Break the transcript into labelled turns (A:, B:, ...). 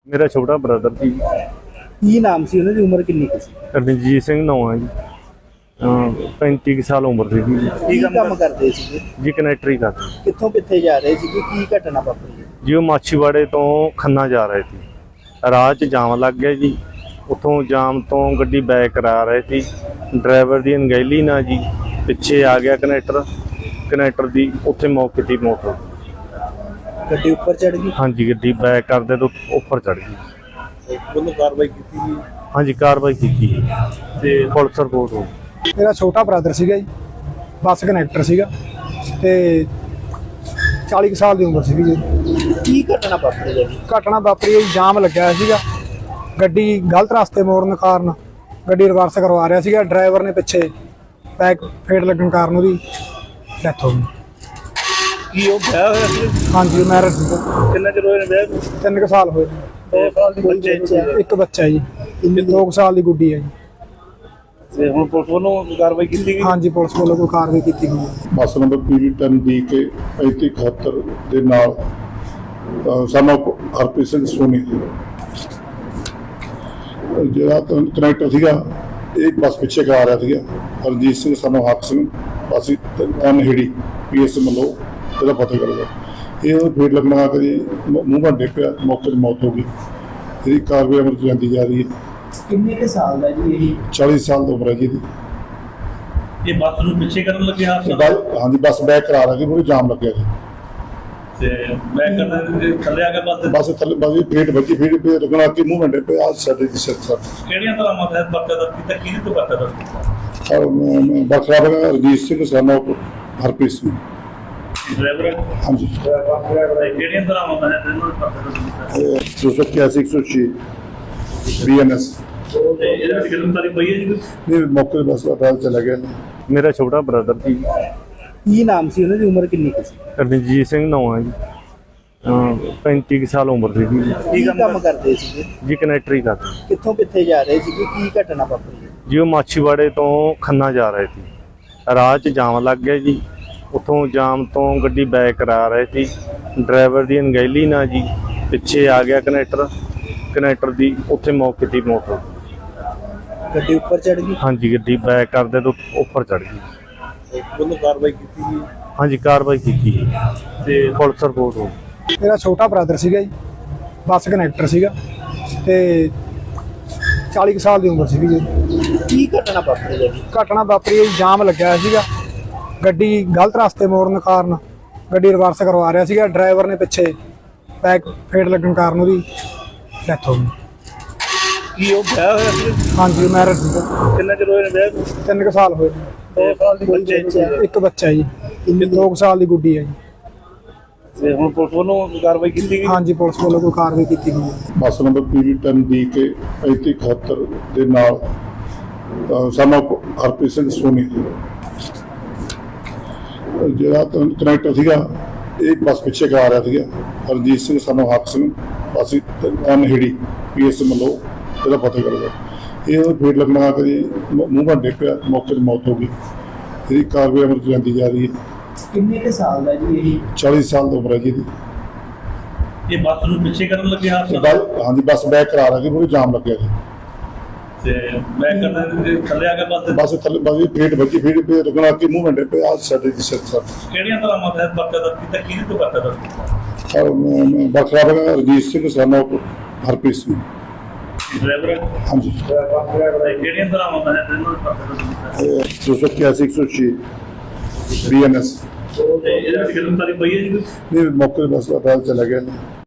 A: ਮੇਰਾ ਛੋਟਾ ਬ੍ਰਦਰ ਜੀ।
B: ਕੀ ਨਾਮ ਸੀ ਉਹਨਾਂ ਦੀ, ਉਮਰ ਕਿੰਨੀ ਕੁ ਸੀ?
A: ਰਣਜੀਤ ਸਿੰਘ ਨਾਮ ਹੈ ਜੀ। 35 ਕੁ ਸਾਲ ਉਮਰ ਦੀ ਜੀ।
B: ਕੀ ਕੰਮ ਕਰਦੇ ਸੀ?
A: ਜੀ ਕਨੈਕਟਰੀ ਕਰਦੇ
B: ਕਿੱਥੋਂ ਕਿੱਥੇ ਜਾ ਰਹੇ ਸੀ? ਕੀ ਘਟਨਾ ਵਾਪਰੀ?
A: ਜੀ। ਉਹ ਮਾਛੀਵਾੜੇ ਤੋਂ ਖੰਨਾ ਜਾ ਰਹੇ ਸੀ। ਰਾਹ 'ਚ ਜਾਮ ਲੱਗ ਗਿਆ ਜੀ। ਉੱਥੋਂ ਜਾਮ ਤੋਂ ਗੱਡੀ ਬੈਕ ਕਰਾ ਰਹੇ ਸੀ। ਡਰਾਈਵਰ ਦੀ ਅਣਗਹਿਲੀ ਨਾਲ ਜੀ ਪਿੱਛੇ ਆ ਗਿਆ ਕਨੈਕਟਰ ਦੀ ਉੱਥੇ ਮੌਕੇ ਦੀ ਮੌਤ ਹੋ ਗਈ।
B: ਗੱਡੀ ਉੱਪਰ ਚੜ ਗਈ?
A: ਹਾਂਜੀ, ਗੱਡੀ ਬੈਕ ਕਰਦੇ ਤੋਂ ਉੱਪਰ ਚੜ ਗਈ।
B: ਉਹਨੂੰ ਕਾਰਵਾਈ ਕੀਤੀ ਜੀ?
A: ਹਾਂਜੀ, ਕਾਰਵਾਈ ਕੀਤੀ ਤੇ ਪੁਲਿਸ ਰਿਪੋਰਟ ਹੋ ਗਈ।
C: ਮੇਰਾ ਛੋਟਾ ਬ੍ਰਦਰ ਸੀਗਾ ਜੀ, ਬੱਸ ਕਨੈਕਟਰ ਸੀਗਾ ਤੇ 40 ਸਾਲ ਦੀ ਉਮਰ ਸੀਗੀ ਜੀ।
B: ਕੀ ਘਟਨਾ ਵਾਪਰੀ ਜੀ?
C: ਘਟਨਾ ਵਾਪਰੀ ਹੈ, ਜਾਮ ਲੱਗਿਆ ਹੋਇਆ ਸੀਗਾ। ਗੱਡੀ ਗਲਤ ਰਸਤੇ ਮੋੜਨ ਕਾਰਨ ਗੱਡੀ ਰਿਵਰਸ ਕਰਵਾ ਰਿਹਾ ਸੀਗਾ। ਡਰਾਈਵਰ ਨੇ ਪਿੱਛੇ ਬੈਕ ਫੇਟ ਲੱਗਣ ਕਾਰਨ ਉਹਦੀ ਡੈਥ ਹੋ ਗਈ।
B: ਕੀ ਉਹ ਵਿਆਹ ਹੋਇਆ ਸੀ?
C: ਹਾਂਜੀ, ਮੈਰਿਜ
B: ਕਿੰਨਾ ਚਿਰ ਹੋਇਆ ਵਿਆਹ ਨੂੰ?
C: 3 ਸਾਲ ਹੋਏ।
B: 2 ਸਾਲ ਦੀ ਬੱਚੇ?
C: ਇੱਕ ਬੱਚਾ ਜੀ, 2 ਸਾਲ ਦੀ ਗੁੱਡੀ ਹੈ ਜੀ।
B: ਤੇ ਹੁਣ ਪੁਲਿਸ ਵੱਲੋਂ ਕਾਰਵਾਈ ਕੀਤੀ ਗਈ?
C: ਹਾਂਜੀ, ਪੁਲਿਸ ਵੱਲੋਂ ਕੋਈ ਕਾਰਵਾਈ ਕੀਤੀ ਗਈ ਹੈ।
D: ਬੱਸ ਨੰਬਰ PV10 DK 3571 ਦੇ ਨਾਲ ਸਾਨੂੰ ਹਰਪ੍ਰੀਤ ਸਿੰਘ ਸੋਨੀ ਜਿਹੜਾ ਕਨੈਕਟਰ ਸੀਗਾ, ਇਹ ਬੱਸ ਪਿੱਛੇ ਕਰਾ ਰਿਹਾ ਸੀਗਾ। ਹਰਜੀਤ ਸਿੰਘ ਸਾਨੂੰ ਹੱਕ ਸਿੰਘ ਅਸੀਂ ਅਨਹਿੜੀ PS ਮੱਲੋ ਇਹਦਾ ਪਤਾ ਕਰਦਾ। ਇਹ ਉਹਨੂੰ ਫੇਟ ਲੱਗਣਾ ਕਰੀ ਮੂੰਹ ਭੰਡੇ ਪਿਆ, ਮੌਕੇ 'ਤੇ ਮੌਤ ਹੋ ਗਈ। ਇਹਦੀ ਕਾਰਵਾਈ ਅਮਲ 'ਚ ਜਾਂਦੀ ਜਾ ਰਹੀ ਹੈ।
B: ਕਿੰਨੇ ਕੁ ਸਾਲ ਦਾ ਜੀ ਇਹ?
D: 40 ਸਾਲ ਦੀ ਉਮਰ ਹੈ ਜੀ ਇਹਦੀ।
B: ਇਹ ਬੱਸ ਨੂੰ ਪਿੱਛੇ ਕਰਨ ਲੱਗੇ
D: ਹਾਂਜੀ, ਬੱਸ ਬੈਕ ਕਰਾ ਰਹੀ ਸੀ, ਉਹਨੂੰ ਜਾਮ ਲੱਗਿਆ ਜੀ।
B: ਤੇ ਬੈਕ ਕਰਨ ਥੱਲੇ ਆ ਕੇ
D: ਬੱਸ ਥੱਲੇ ਬਾਜੀ ਫੇਟ ਵੱਜੀ, ਫੇਟ ਪੇ ਲੱਗਣਾ ਕਿ ਮੂੰਹ ਭੰਡੇ ਪਏ ਆ ਸਾਡੇ ਦੀ ਸਿਰ ਸਰ।
B: ਕਿਹੜੀਆਂ ਤਰ੍ਹਾਂ ਮਤਲਬ ਬੱਕਾ ਦਾ ਕੀਤਾ, ਕਿਹਦੇ ਤੋਂ ਬੱਕਾ ਦਾ?
D: ਬਖਰਾ ਬਗਾ ਰਜੀਤ ਸਿੰਘ ਸਾਨੂੰ ਹਰਪ੍ਰੀਤ ਸਿੰਘ
B: ਡਰਾਈਵਰ?
D: ਹਾਂਜੀ।
B: ਕਿਹੜੀਆਂ ਤਰ੍ਹਾਂ ਮਤਲਬ ਇਹਨੂੰ ਬੱਕਾ ਦਾ ਕੀਤਾ?
D: 281 106 BNS
B: ਤੇ ਇਹਦੇ ਵਿੱਚ ਗ੍ਰਿਫਤਾਰੀ ਪਈ ਹੈ ਜੀ?
D: ਨੇ ਮੌਕੇ 'ਤੇ ਬੱਸ ਅਦਾਲਤ ਚਲਾ ਗਿਆ।
A: ਮੇਰਾ ਛੋਟਾ ਬ੍ਰਦਰ ਜੀ।
B: ਕੀ ਨਾਮ ਸੀ ਉਹਨਾਂ ਦੀ, ਉਮਰ ਕਿੰਨੀ ਕੁ ਸੀ?
A: ਰਣਜੀਤ ਸਿੰਘ ਨਾਮ ਹੈ ਜੀ। 35 ਕੁ ਸਾਲ ਉਮਰ ਦੀ ਜੀ।
B: ਕੀ ਕੰਮ ਕਰਦੇ ਸੀ?
A: ਜੀ ਕਨੈਕਟਰੀ ਕਰਦੇ
B: ਕਿੱਥੋਂ ਕਿੱਥੇ ਜਾ ਰਹੇ ਸੀ? ਕੀ ਘਟਨਾ ਵਾਪਰੀ?
A: ਜੀ। ਉਹ ਮਾਛੀਵਾੜੇ ਤੋਂ ਖੰਨਾ ਜਾ ਰਹੇ ਸੀ। ਰਾਹ 'ਚ ਜਾਮ ਲੱਗ ਗਿਆ ਜੀ। ਉੱਥੋਂ ਜਾਮ ਤੋਂ ਗੱਡੀ ਬੈਕ ਕਰਾ ਰਹੇ ਸੀ। ਡਰਾਈਵਰ ਦੀ ਅਣਗਹਿਲੀ ਨਾਲ ਜੀ ਪਿੱਛੇ ਆ ਗਿਆ ਕਨੈਕਟਰ ਦੀ ਉੱਥੇ ਮੌਕੇ ਦੀ ਮੌਤ ਹੋ ਗਈ।
B: ਗੱਡੀ ਉੱਪਰ ਚੜ ਗਈ?
A: ਹਾਂਜੀ, ਗੱਡੀ ਬੈਕ ਕਰਦੇ ਤੋਂ ਉੱਪਰ ਚੜ ਗਈ।
B: ਉਹਨੂੰ ਕਾਰਵਾਈ ਕੀਤੀ ਜੀ?
A: ਹਾਂਜੀ, ਕਾਰਵਾਈ ਕੀਤੀ ਤੇ ਪੁਲਿਸ ਰਿਪੋਰਟ ਹੋ ਗਈ।
C: ਮੇਰਾ ਛੋਟਾ ਬ੍ਰਦਰ ਸੀਗਾ ਜੀ, ਬੱਸ ਕਨੈਕਟਰ ਸੀਗਾ ਤੇ 40 ਸਾਲ ਦੀ ਉਮਰ ਸੀਗੀ ਜੀ।
B: ਕੀ ਘਟਨਾ ਵਾਪਰੀ ਜੀ?
C: ਘਟਨਾ ਵਾਪਰੀ ਹੈ, ਜਾਮ ਲੱਗਿਆ ਹੋਇਆ ਸੀਗਾ। ਗੱਡੀ ਗਲਤ ਰਸਤੇ ਮੋੜਨ ਕਾਰਨ ਗੱਡੀ ਰਿਵਰਸ ਕਰਵਾ ਰਿਹਾ ਸੀਗਾ। ਡਰਾਈਵਰ ਨੇ ਪਿੱਛੇ ਬੈਕ ਫੇਟ ਲੱਗਣ ਕਾਰਨ ਉਹਦੀ ਡੈਥ ਹੋ ਗਈ।
B: ਕੀ ਉਹ ਵਿਆਹ ਹੋਇਆ ਸੀ?
C: ਹਾਂਜੀ, ਮੈਰਿਜ
B: ਕਿੰਨਾ ਚਿਰ ਹੋਇਆ ਵਿਆਹ ਨੂੰ?
C: 3 ਸਾਲ ਹੋਏ।
B: 2 ਸਾਲ ਦੀ ਬੱਚੇ?
C: ਇੱਕ ਬੱਚਾ ਜੀ, 2 ਸਾਲ ਦੀ ਗੁੱਡੀ ਹੈ ਜੀ।
D: ਤੇ ਹੁਣ ਪੁਲਿਸ ਵੱਲੋਂ ਕਾਰਵਾਈ ਕੀਤੀ ਗਈ?
C: ਹਾਂਜੀ, ਪੁਲਿਸ ਵੱਲੋਂ ਕੋਈ ਕਾਰਵਾਈ ਕੀਤੀ ਗਈ ਹੈ।
D: ਬੱਸ ਨੰਬਰ PV10 DK 3571 ਦੇ ਨਾਲ ਸਾਨੂੰ ਹਰਪ੍ਰੀਤ ਸਿੰਘ ਸੋਨੀ ਜਿਹੜਾ ਕਨੈਕਟਰ ਸੀਗਾ, ਇਹ ਬੱਸ ਪਿੱਛੇ ਕਰਾ ਰਿਹਾ ਸੀਗਾ। ਹਰਜੀਤ ਸਿੰਘ ਸਾਨੂੰ ਹੱਕ ਸਿੰਘ ਅਸੀਂ ਅਨਹਿੜੀ PS ਮੱਲੋ ਇਹਦਾ ਪਤਾ ਕਰਦਾ। ਇਹ ਉਹਨੂੰ ਫੇਟ ਲੱਗਣਾ ਕਰੀ ਮੂੰਹ ਭੰਡੇ ਪਿਆ, ਮੌਕੇ 'ਤੇ ਮੌਤ ਹੋ ਗਈ। ਇਹਦੀ ਕਾਰਵਾਈ ਅਮਲ 'ਚ ਜਾਂਦੀ ਜਾ ਰਹੀ ਹੈ।
B: ਕਿੰਨੇ ਕੁ ਸਾਲ ਦਾ ਜੀ ਇਹ?
D: 40 ਸਾਲ ਦੀ ਉਮਰ ਹੈ ਜੀ ਇਹਦੀ।
B: ਇਹ ਬੱਸ ਨੂੰ ਪਿੱਛੇ ਕਰਨ ਲੱਗੇ
D: ਹਾਂਜੀ, ਬੱਸ ਬੈਕ ਕਰਾ ਰਹੀ ਸੀ, ਉਹਨੂੰ ਜਾਮ ਲੱਗਿਆ ਜੀ।
B: ਤੇ ਬੈਕ ਕਰਨ ਥੱਲੇ ਆ ਕੇ
D: ਬੱਸ ਥੱਲੇ ਬਾਜੀ ਫੇਟ ਵੱਜੀ, ਫੇਟ ਪੇ ਲੱਗਣਾ ਕਿ ਮੂੰਹ ਭੰਡੇ ਪਏ ਆ ਸਾਡੇ ਦੀ ਸਿਰ ਸਰ।
B: ਕਿਹੜੀਆਂ ਤਰ੍ਹਾਂ ਮਤਲਬ ਬੱਕਾ ਦਾ ਕੀਤਾ, ਕਿਹਦੇ ਤੋਂ ਬੱਕਾ ਦਾ ਕੀਤਾ?
D: ਬਖਰਾ ਬਗਾ ਰਜੀਤ ਸਿੰਘ ਸਾਨੂੰ ਹਰਪ੍ਰੀਤ ਸਿੰਘ
B: ਡਰਾਈਵਰ?
D: ਹਾਂਜੀ।
B: ਕਿਹੜੀਆਂ ਤਰ੍ਹਾਂ ਮਤਲਬ ਇਹਨੂੰ ਬੱਕਾ ਦਾ ਕੀਤਾ?
D: 281 106 BNS
B: ਤੇ ਇਹਦੇ ਵਿੱਚ ਗ੍ਰਿਫਤਾਰੀ ਪਈ ਹੈ ਜੀ?
D: ਨੇ ਮੌਕੇ 'ਤੇ ਬੱਸ ਅਦਾਲਤ ਚਲਾ ਗਿਆ।